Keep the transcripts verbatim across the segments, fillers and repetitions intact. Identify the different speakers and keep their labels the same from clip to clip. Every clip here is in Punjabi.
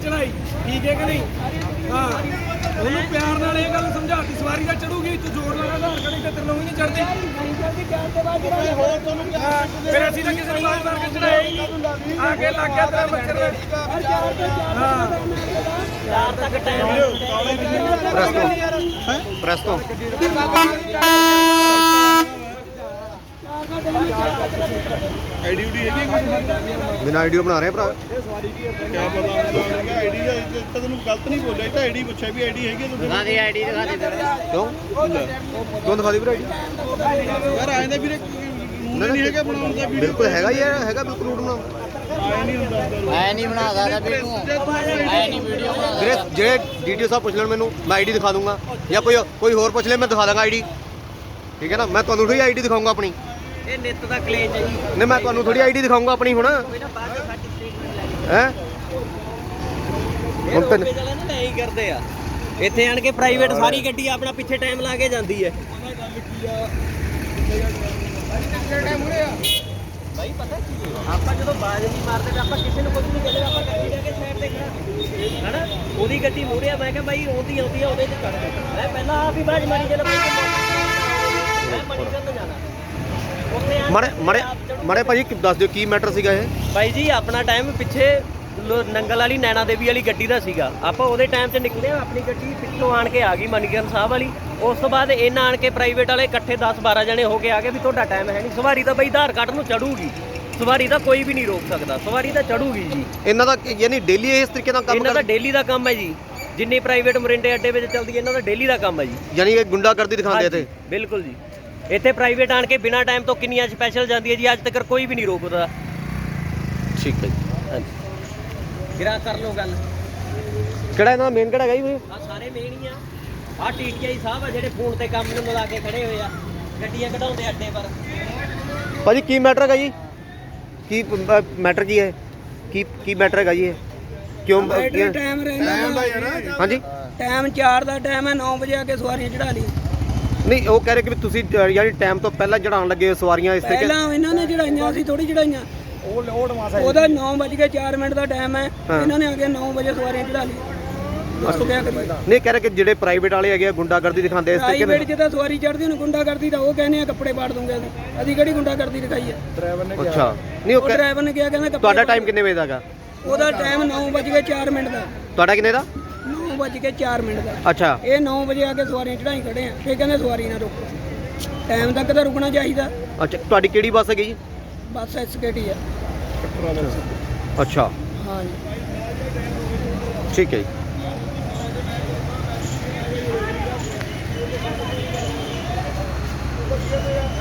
Speaker 1: चढ़ाई ठीक है कि नहीं। हाँ ਉਹਨੂੰ ਪਿਆਰ ਨਾਲ ਇਹ ਗੱਲ ਸਮਝਾਤੀ ਸਵਾਰੀ ਦਾ ਚੜੂਗੀ ਤੂੰ ਜ਼ੋਰ ਲਾ ਆਧਾਰ ਕਾਰਡ ਤੇ ਤੇਰੇ ਨੂੰ ਹੀ ਨਹੀਂ ਚੜਦੀ ਫਿਰ ਅਸੀਂ ਤਾਂ ਕਿਸੇ ਨੂੰ ਮਾਰ ਮਾਰ ਕੇ ਚੜਾਈ ਆ ਕੇ ਲੱਗ ਗਿਆ ਤੇਰਾ ਮੱਛਰ ਹਾਂ ਚਾਰ ਤੱਕ ਟਾਈਮ
Speaker 2: ਪ੍ਰੈਸ ਤੋਂ
Speaker 3: ਆਈਡੀ ਉਡੀ ਹੈਗੀ
Speaker 2: ਬਿਨਾਂ ਆਈਡੀਓ ਬਣਾ ਰਹੇ ਭਰਾ
Speaker 3: ਕਿਆ ਪਤਾ ਆਈਡੀ ਦਾ ਤਾਂ ਤੈਨੂੰ ਗਲਤ ਨਹੀਂ ਬੋਲਿਆ ਤਾਂ ਆਈਡੀ ਪੁੱਛਿਆ ਵੀ ਆਈਡੀ ਹੈਗੀ ਤੂੰ
Speaker 4: ਦਿਖਾ ਦੇ ਆਈਡੀ ਦਿਖਾ ਦੇ
Speaker 2: ਕਿਉਂ ਕਿਉਂ ਦਿਖਾ ਦੀ ਭਰਾ ਆਈਡੀ
Speaker 3: ਯਾਰ ਆਏ ਤਾਂ ਵੀਰੇ ਨਹੀਂ ਹੈਗਾ ਬਣਾਉਣ ਦਾ ਵੀਡੀਓ
Speaker 2: ਬਿਲਕੁਲ ਹੈਗਾ ਹੀ ਹੈ ਹੈਗਾ ਬਿਲਕੁਲ ਰੂਟ ਬਣਾ
Speaker 3: ਆਇਆ ਨਹੀਂ ਹੁੰਦਾ
Speaker 4: ਐ ਨਹੀਂ ਬਣਾ ਸਕਦਾ ਵੀਡੀਓ ਐ ਨਹੀਂ ਵੀਡੀਓ ਬਣਾ
Speaker 2: ਵੀਰੇ ਜਿਹੜੇ ਡੀਟੀਓ ਸਾਹਿਬ ਪੁੱਛ ਲੈਣ ਮੈਨੂੰ ਮੈਂ ਆਈਡੀ ਦਿਖਾ ਦੂੰਗਾ ਜਾਂ ਕੋਈ ਕੋਈ ਹੋਰ ਪੁੱਛ ਲੈ ਮੈਂ ਦਿਖਾ ਦਾਂਗਾ ਆਈਡੀ ਠੀਕ ਹੈ ਨਾ ਮੈਂ ਤੁਹਾਨੂੰ ਥੋੜੀ ਆਈਡੀ ਦਿਖਾਊਂਗਾ ਆਪਣੀ
Speaker 4: ਇਹ ਨਿੱਤ ਦਾ ਕਲੇਜ ਹੈ ਜੀ
Speaker 2: ਨਹੀਂ ਮੈਂ ਤੁਹਾਨੂੰ ਥੋੜੀ ਆਈਡੀ ਦਿਖਾਊਂਗਾ ਆਪਣੀ ਹੁਣ
Speaker 4: ਕੋਈ ਨਾ ਬਾਅਦ ਚ ਸਾਡੀ ਸਟੇਟਮੈਂਟ ਲੈ
Speaker 2: ਹੈ ਹੁਣ
Speaker 4: ਹੁਣ ਤੇ ਨਾ ਲੈ ਹੀ ਕਰਦੇ ਆ ਇੱਥੇ ਆਣ ਕੇ ਪ੍ਰਾਈਵੇਟ ਸਾਰੀ ਗੱਡੀ ਆਪਣਾ ਪਿੱਛੇ ਟਾਈਮ ਲਾ ਕੇ ਜਾਂਦੀ ਹੈ ਭਾਈ ਪਤਾ ਕੀ ਆਪਾਂ ਜਦੋਂ ਬਾਜ਼ ਨਹੀਂ ਮਾਰਦੇ ਤਾਂ ਆਪਾਂ ਕਿਸੇ ਨੂੰ ਕੁਝ ਨਹੀਂ ਕਹਿੰਦੇ ਆਪਾਂ ਗੱਡੀ ਲੈ ਕੇ ਸਾਈਡ ਤੇ ਖੜਾ ਹਨਾ ਉਹਦੀ ਗੱਡੀ ਮੂਹਰੇ ਆ ਮੈਂ ਕਿਹਾ ਬਾਈ ਉਹਦੀ ਆਉਂਦੀ ਆ ਉਹਦੇ ਚ ਕੱਢ ਦੇ ਮੈਂ ਪਹਿਲਾਂ ਆਪ ਹੀ ਬਾਜ਼ ਮਾਰੀ ਜਦੋਂ ਮੈਂ ਮਣੀਕਰਨ ਜਾਣਾ
Speaker 2: ਮਾੜੇ ਮਾੜੇ ਮਾੜੇ ਭਾਜੀ ਦੱਸ ਦਿਓ ਕੀ ਮੈਟਰ ਸੀਗਾ ਇਹ
Speaker 4: ਭਾਈ ਜੀ ਆਪਣਾ ਟਾਈਮ ਪਿੱਛੇ ਨੰਗਲ ਵਾਲੀ ਨੈਣਾ ਦੇਵੀ ਵਾਲੀ ਗੱਡੀ ਦਾ ਸੀਗਾ ਆਪਾਂ ਉਹਦੇ ਟਾਈਮ 'ਚ ਨਿਕਲੇ ਆਪਣੀ ਗੱਡੀ ਪਿੱਛੋਂ ਆਣ ਕੇ ਆ ਗਈ ਮਨੀਕਰਨ ਸਾਹਿਬ ਵਾਲੀ ਉਸ ਤੋਂ ਬਾਅਦ ਇਹਨਾਂ ਆਣ ਕੇ ਪ੍ਰਾਈਵੇਟ ਵਾਲੇ ਇਕੱਠੇ ਦਸ ਬਾਰਾਂ ਜਣੇ ਹੋ ਕੇ ਆ ਗਏ ਵੀ ਤੁਹਾਡਾ ਟਾਈਮ ਹੈ ਨਹੀਂ ਸਵਾਰੀ ਤਾਂ ਬਈ ਆਧਾਰ ਕਾਰਡ ਨੂੰ ਚੜੂਗੀ ਸਵਾਰੀ ਤਾਂ ਕੋਈ ਵੀ ਨਹੀਂ ਰੋਕ ਸਕਦਾ ਸਵਾਰੀ ਤਾਂ ਚੜੂਗੀ ਜੀ
Speaker 2: ਇਹਨਾਂ ਦਾ ਯਾਨੀ ਡੇਲੀ ਇਸ ਤਰੀਕੇ ਨਾਲ ਕੰਮ
Speaker 4: ਇਹਨਾਂ ਦਾ ਡੇਲੀ ਦਾ ਕੰਮ ਹੈ ਜੀ ਜਿੰਨੀ ਪ੍ਰਾਈਵੇਟ ਮੋਰਿੰਡੇ ਅੱਡੇ ਵਿੱਚ ਚੱਲਦੀ ਹੈ ਇਹਨਾਂ ਦਾ ਡੇਲੀ ਦਾ ਕੰਮ ਹੈ ਜੀ
Speaker 2: ਯਾਨੀ ਇਹ ਗੁੰਡਾਗਰਦੀ ਦਿਖਾਉਂਦੇ ਇੱਥੇ
Speaker 4: ਬਿਲਕੁਲ ਜੀ ਇੱਥੇ ਪ੍ਰਾਈਵੇਟ ਆਣ ਕੇ ਬਿਨਾਂ ਟਾਈਮ ਤੋਂ ਕਿੰਨੀਆਂ ਸਪੈਸ਼ਲ ਜਾਂਦੀ ਹੈ ਜੀ ਅੱਜ ਤੱਕ ਕੋਈ ਵੀ ਨਹੀਂ ਰੋਕਦਾ
Speaker 2: ਠੀਕ ਹੈ ਜੀ
Speaker 4: ਹਾਂਜੀ ਗਿਰਾ ਕਰ ਲਓ ਗੱਲ
Speaker 2: ਕਿਹੜਾ ਇਹਨਾਂ ਦਾ ਮੇਨ ਕਿਹੜਾ ਹੈਗਾ ਜੀ
Speaker 4: ਆ ਸਾਰੇ ਮੇਨ ਹੀ ਆ ਆ ਟੀਟੀਆਈ ਸਾਹਿਬ ਆ ਜਿਹੜੇ ਫੋਨ ਤੇ ਕੰਮ ਨੂੰ ਲਾ ਕੇ ਖੜੇ ਹੋਏ ਆ ਗੱਡੀਆਂ ਕਢਾਉਂਦੇ ਅੱਡੇ ਪਰ
Speaker 2: ਭਾਜੀ ਕੀ ਮੈਟਰ ਹੈਗਾ ਜੀ ਕੀ ਮੈਟਰ ਕੀ ਹੈ ਕੀ ਕੀ ਮੈਟਰ ਹੈਗਾ ਜੀ ਇਹ ਕਿਉਂ
Speaker 1: ਟਾਈਮ ਰਹਿੰਦਾ
Speaker 2: ਹਾਂਜੀ
Speaker 1: ਟਾਈਮ ਚਾਰ ਦਾ ਟਾਈਮ ਹੈ ਨੌ ਵਜੇ ਆ ਕੇ ਸਵਾਰੀਆਂ ਚੜਾ ਲਈ
Speaker 2: ਨਹੀਂ ਉਹ ਕਹਿ ਰਹੇ ਕਿ ਵੀ ਤੁਸੀਂ ਯਾਨੀ ਟਾਈਮ ਤੋਂ ਪਹਿਲਾਂ ਚੜਾਉਣ ਲੱਗੇ ਸਵਾਰੀਆਂ ਇਸ ਤਰੀਕੇ
Speaker 1: ਪਹਿਲਾਂ ਇਹਨਾਂ ਨੇ ਚੜਾਈਆਂ ਅਸੀਂ ਥੋੜੀ ਚੜਾਈਆਂ ਉਹਦਾ ਨੌ ਵਜ ਕੇ ਚਾਰ ਮਿੰਟ ਦਾ ਟਾਈਮ ਹੈ ਇਹਨਾਂ ਨੇ ਆ ਕੇ ਨੌ ਵਜੇ ਸਵਾਰੀਆਂ ਚੜਾ ਲਈ ਦੱਸੋ ਕਿਆ ਕਰੀਏ
Speaker 2: ਨਹੀਂ ਕਹਿ ਰਹੇ ਕਿ ਜਿਹੜੇ ਪ੍ਰਾਈਵੇਟ ਵਾਲੇ ਹੈਗੇ ਗੁੰਡਾਗਰਦੀ ਦਿਖਾਉਂਦੇ ਇਸ ਤਰੀਕੇ
Speaker 1: ਪ੍ਰਾਈਵੇਟ ਜਿੱਦਾਂ ਸਵਾਰੀ ਚੜਦੀ ਉਹਨੂੰ ਗੁੰਡਾਗਰਦੀ ਦਾ ਉਹ ਕਹਿੰਦੇ ਆ ਕੱਪੜੇ ਪਾੜ ਦੂੰਗੇ ਅਸੀਂ ਅਸੀਂ ਕਿਹੜੀ ਗੁੰਡਾਗਰਦੀ ਦਿਖਾਈ ਹੈ ਡਰਾਈਵਰ ਨੇ
Speaker 2: ਅੱਛਾ ਨਹੀਂ ਉਹ
Speaker 1: ਡਰਾਈਵਰ ਨੇ ਕਿਹਾ ਕਹਿੰਦਾ
Speaker 2: ਤੁਹਾਡਾ ਟਾਈਮ ਕਿੰਨੇ ਵਜੇ ਦਾ ਹੈਗਾ
Speaker 1: ਉਹਦਾ ਟਾਈਮ ਨੌ ਵਜ ਕੇ ਚਾਰ ਮਿੰਟ ਦਾ
Speaker 2: ਤੁਹਾਡਾ ਕਿੰਨੇ ਦਾ
Speaker 1: ਨੌ ਵਜ ਕੇ ਚਾਰ ਮਿੰਟ ਦਾ
Speaker 2: ਅੱਛਾ
Speaker 1: ਇਹ ਨੌ ਵਜੇ ਆ ਕੇ ਸਵਾਰੀਆਂ ਚੜਾਈ ਖੜੇ ਆ ਫੇਰ ਕਹਿੰਦੇ ਸਵਾਰੀ ਨਾ ਰੋਕੋ ਟਾਈਮ ਤੱਕ ਤਾਂ ਰੁਕਣਾ ਚਾਹੀਦਾ
Speaker 2: ਅੱਛਾ ਤੁਹਾਡੀ ਕਿਹੜੀ ਬੱਸ ਹੈਗੀ ਜੀ
Speaker 1: ਬੱਸ ਐਸਕੇਟੀ ਆ
Speaker 2: ਅੱਛਾ
Speaker 1: ਹਾਂ ਜੀ
Speaker 2: ਠੀਕ ਹੈ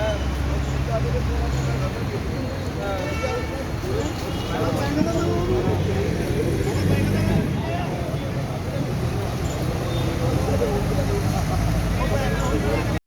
Speaker 2: ਜੀ